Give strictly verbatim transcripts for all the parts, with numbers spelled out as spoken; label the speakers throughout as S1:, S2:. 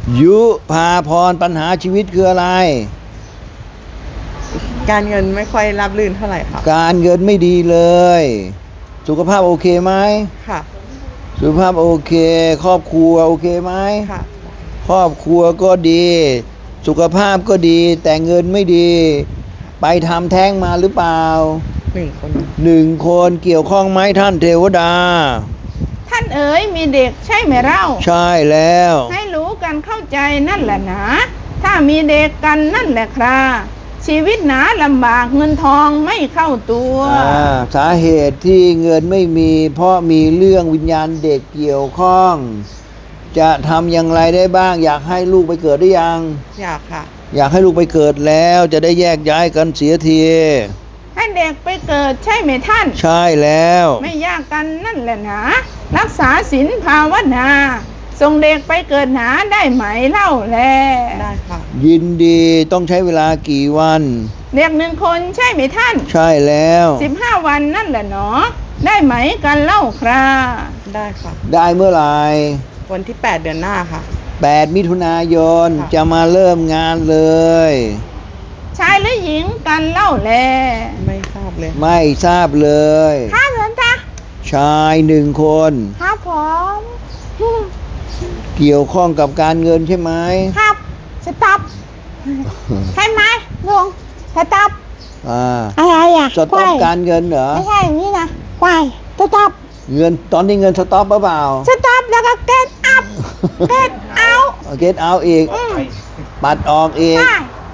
S1: ยุพาพรปัญหาชีวิตคืออะไร
S2: การเงินไม่ค่อยราบรื่นเท่าไหร่ค่ะ
S1: การเงินไม่ดีเลยสุขภาพโอเคไหม
S2: ค่ะ
S1: สุขภาพโอเคครอบครัวโอเคไหม
S2: ค่ะ
S1: ครอบครัวก็ดีสุขภาพก็ดีแต่เงินไม่ดีไปทำแท้งมาหรือเปล่า
S2: หนึ่งคน
S1: หนึ่งคนเกี่ยวข้องไหมท่านเทวดา
S3: ท่านเอ๋ยมีเด็กใช่ไหมเล่า
S1: ใช่แล้ว
S3: ให้รู้กันเข้าใจนั่นแหละนะถ้ามีเด็กกันนั่นแหละครับชีวิตหนาลำบากเงินทองไม่เข้าตัว
S1: สาเหตุที่เงินไม่มีเพราะมีเรื่องวิญญาณเด็กเกี่ยวข้องจะทำอย่างไรได้บ้างอยากให้ลูกไปเกิดได้ยัง
S2: อยากค่ะ
S1: อยากให้ลูกไปเกิดแล้วจะได้แยกย้ายกันเสียที
S3: ให้เด็กไปเกิดใช่ไหมท่าน
S1: ใช่แล้ว
S3: ไม่ยากกันนั่นแหละนะรักษาศีลภาวนาส่งเด็กไปเกิดหนาได้ไหมเล่าแล
S2: ได้ค่ะ
S1: ยินดีต้องใช้เวลากี่วัน
S3: เด็กหนึ่งคนใช่ไหมท่าน
S1: ใช่แล้ว
S3: สิบห้าวันนั่นแหละเนาะได้ไหมกันเล่าครา
S2: ได้ค่ะ
S1: ได้เมื่อไหร่
S2: วันที่แปดเดือนหน้าค่ะ
S1: แปดมิถุนายนจะมาเริ่มงานเลย
S3: ชายหรือหญิงกันเล่าแล
S2: ไม่ทราบเลย
S1: ไม่ทราบเลย
S3: ค่ะหลวงตา
S1: ชายหนึ่งคน
S3: ครับผม
S1: เกี่ยวข้องกับการเงินใช่ไหม
S3: ครับสต็อปใช่ไหมลุงสต็อป
S1: อ่า
S3: อะไรอ่ะ
S1: สต็อปการเงินเหรอ
S3: ไม่ใช่อย่างนี้นะควายสต็อป
S1: เงินตอนนี้เงินสต็อปหรือเปล่า
S3: สต็อปแล้วก็เก็ตอัพเก็ตเอา
S1: เก็ตเอาอีกปัดออกอีก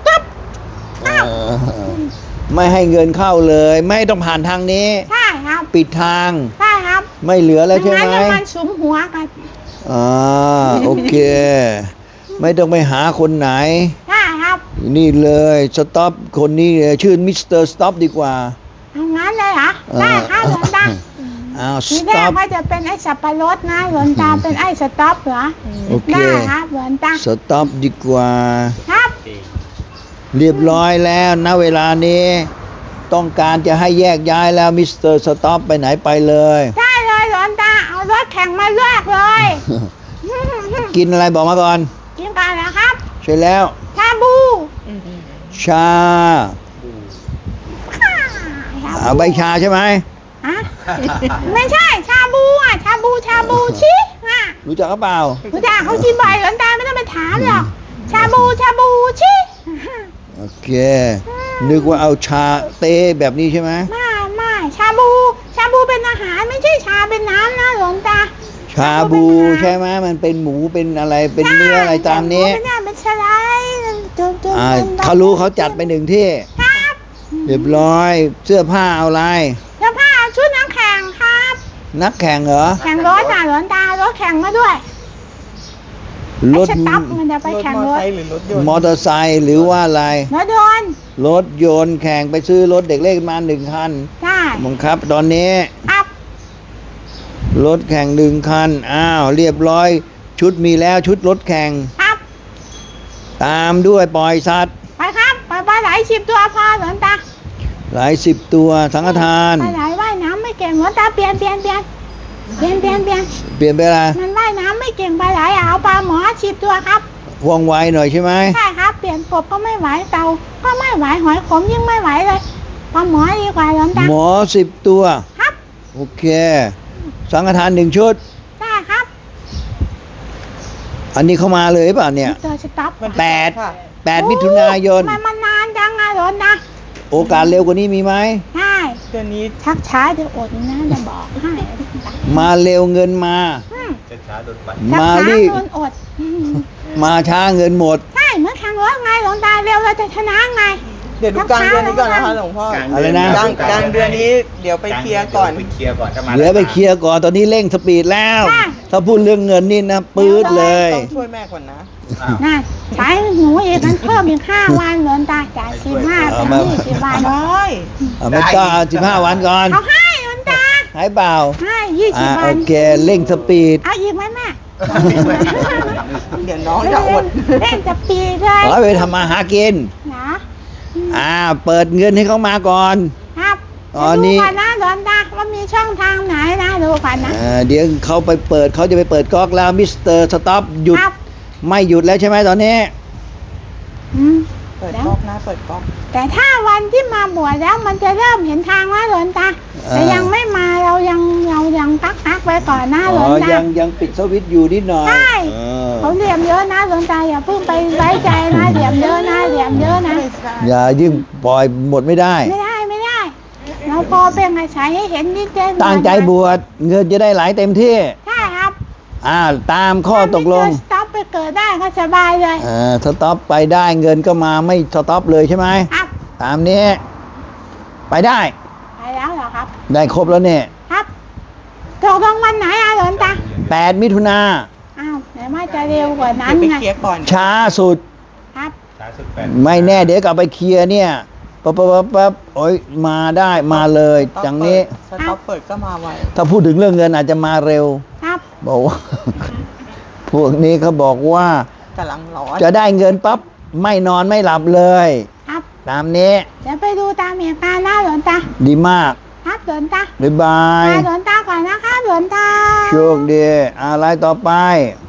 S1: ไม่ให้เงินเข้าเลยไม่ต้องผ่านทางนี้
S3: ใช่ครับ
S1: ปิดทาง
S3: ใช่ครับ
S1: ไม่เหลือแล้วใช่ไหม
S3: มันสุมหัวกัน
S1: อ่าโอเคไม่ต้องไปหาคนไหน
S3: ใช่ครับ
S1: นี่เลยสต็อปคนนี้ชื่อมิสเตอร์สต็อปดีกว่า
S3: ทำงั้นเลยเหรอได้ครับหลวงตา
S1: อ้าว
S3: สต็อปว่าจะเป็นไอ้สับปะรดนะหลวงตาเป็นไอ้สต็อปเหรอได้ครับหลวงตา
S1: สต็อปดีกว่า
S3: ครับ
S1: เรียบร้อยแล้วณเวลานี้ต้องการจะให้แยกย้ายแล้วมิสเตอร์สต็อปไปไหนไปเลย
S3: ได้เลยหลวงตาเอารถแข่งมาแลกเลย
S1: กินอะไรบอกมาก่อน
S3: กินกันนะครับ
S1: ใช่แล้ว
S3: ชาบู
S1: ชาเอาใบชาใช่ไหม
S3: ฮะไม่ใช่ชาบูอ่ะชาบูชาบูชิอ่ะ
S1: รู้จักหรือเปล่า
S3: รู้จักเขากินบ่อยหลวงตาไม่ต้องไปถามหรอกชาบูชาบูชิ
S1: โอเคนึกว่าเอาชาเต้แบบนี้ใช่ไหม
S3: ไม่ไม่ชาบูชาบูเป็นอาหารไม่ใช่ชาเป็นน้ำนะหลวงตา
S1: ชาบูใช่ไหมมันเป็นหมูเป็นอะไรเป็นเนื้ออะไรตามนี้
S3: เป็นเป็นสไลด์จุ๊บ
S1: ๆเขารู้เขาจัดไปหนึ่งที่
S3: ครับ
S1: เรียบร้อยเสื้อผ้าเอาอะไร
S3: เสื้อผ้าชุดนักแข่งครับ
S1: นักแข่งเหรอ
S3: แข่งรถอ่ะหลวงตารถแข่งมาด้วยรถมันจะไปแข่งรถ
S1: มอเตอร์ไซค์หรือว่าอะไร
S3: รถยนต์
S1: รถยนต์แข่งไปซื้อรถเด็กเล็กมาหนึ่งคัน
S3: ใช่
S1: บังคับตอนนี้
S3: ครับ
S1: รถแข่งหนึ่งคันอ้าวเรียบร้อยชุดมีแล้วชุดรถแข่ง
S3: ครับ
S1: ตามด้วยปล่อยสัตว์
S3: ไปครับไปปลาไหลสิบตัวพอหลวงตา
S1: หลายสิบตัวสังฆทาน
S3: ปลาไหลว่ายน้ำไม่เก่งหลวงตาเปลี่ยนเปลี่ยนเปลี่ยนเปลี่ยนเปลี่ยนเปลี่ยน
S1: เปลี่ยนไปอะไร
S3: มันว่ายน้ำไม่เก่งปลาไหลเอาปลาหมอสิบตัวครับ
S1: ว่องไวหน่อยใช่ไหม
S3: ใช่ครับเปลี่ยนกบก็ไม่ไหวเต่าก็ไม่ไหวหอยขมยิ่งไม่ไหวเลยปลาหมอดีกว่าหลวงตา
S1: หมอสิบตัว
S3: ครับ
S1: โอเคสังฆทานหนึ่งชุด
S3: ใช่ครับ
S1: อันนี้เข้ามาเลยป่ะเนี่ยแปดแปดมิถุนายน
S3: มันมานานจังอะหลวงตา
S1: โอกาสเร็วกว่านี้มีไหม
S3: ใช่
S2: เดือนนี้
S3: ชักช้าจะอดนะจะบอกให้
S1: มาเร็วเงินมา
S2: จะช้าโดนปัด
S1: มารีบ
S3: อด
S1: มาช้าเงินหมด
S3: ใช่เมื่อแข่งรถไงหลวงตาเร็วเราจะชนะไง
S2: เดี๋ยวดูกลางเดือนนี้ก่อนนะคะหลวงพ่อ
S1: อะไรนะ
S2: กลางกลางเดือนนี้เดี๋ยวไปเคลียร์ก่อน
S4: ไปเคลียร์ก่อนจะมา
S1: เดี๋ยวไปเคลียร์ก่อนตอนนี้เร่งสปีดแล้วถ้าพูดเรื่องเงินนี่นะปื๊ดเลย
S2: ต้องช่วยแม่ก่อนนะ
S3: น่ะใช้หนูเองมันเพิ่มอีกห้าวันหลวงตาจ่ายสิบห้าเป็นยี่สิบวันเลย
S1: ไม่ต้องเอาสิบห้าวันก่อน
S3: เขาให้หลวงตา
S1: ให้เปล่า
S3: ให้ยี่สิบวัน
S1: โอเคเร่งสปีด
S3: เอาอีกไหมแม่
S2: เดี๋ยวน้องจะอด
S3: เร่งสปีดเลย
S1: ขอไปทำมาหากิน
S3: นะ
S1: อ่าเปิดเงินให้เขามาก่อน
S3: ครับตอนนี้ดูก่อนนะหลวงตาว่ามีช่องทางไหนนะดูก่อนนะ
S1: เดี๋ยวเขาไปเปิดเขาจะไปเปิดก๊อกแล้วมิสเตอร์สต็อปหยุดไม่หยุดแล้วใช่ไหมตอนนี้
S3: อืม
S2: เปิดก๊อกนะเปิดก๊อก
S3: แต่ถ้าวันที่มาบวชแล้วมันจะเริ่มเห็นทางแล้วหลวงตาแต่ยังไม่มาเรายังเรายังพักพักๆไว้ก่อนนะหล
S1: อ๋
S3: ว
S1: อง
S3: ตา
S1: ยังยังปิดสวิตช์อยู่นิดหน่อย
S3: ใช่
S1: เออ
S3: เขาเหลี่ยมเยอะนะหลวงตาอย่าเพิ่งไปไว้ใจนะเหลี่ยมเยอะนะเหลี่ยมเยอะนะ
S1: อย่ายิ่งปล่อยหมดไม่ได้
S3: ไม่ได้ไม่ได้ เราพอเป็นอาศัยให้เห็นนิดเดียว
S1: ตั้งใจบวชเงินจะได้ไหลเต็มที่
S3: ใช่ครับ
S1: อ่าตามข้อตกลง
S3: ถ้าไม่เจอสต็อปไปเกิดได้ก็สบายเลย
S1: เออสต็อปไปได้เงินก็มาไม่สต็อปเลยใช่ไหม
S3: ครับ
S1: ตามนี้ ไปได้
S3: ไปแล้วเหรอครับ
S1: ได้ครบแล้วเนี่ย
S3: ครับตกลงวันไหนอะหลวงตา
S1: แปดมิถุนา
S3: อ้าวไหนว่าจะเร็วกว่านั้
S2: เดี๋
S3: น
S2: ยวไป
S3: ไง
S2: เคลียร์ก่อน
S1: ช้าสุด
S3: ครับ
S1: ไม่แน่เดี๋ยวกลับไปเคลียร์เนี่ยปั๊บปั๊บปั๊บปั๊บโอ้ยมาได้มาเลยจังนี้
S2: สต็อปเปิดก็มาไว
S1: ถ้าพูดถึงเรื่องเงินอาจจะมาเร็ว
S3: ครับ
S1: บอกว่า พวกนี้เขาบอกว่า
S2: กำลังร้อน
S1: จะได้เงินปั๊บไม่นอนไม่หลับเลย
S3: ครับ
S1: ตามนี้
S3: เดี๋ยวไปดูตามเหตุการณ์นะหลวงตา
S1: ดีมาก
S3: ครับหลวงตา
S1: บ๊ายบาย
S3: ลาหลวงตาก่อนนะครับหลวงตา
S1: โชคดีอะไรต่อไป
S3: ค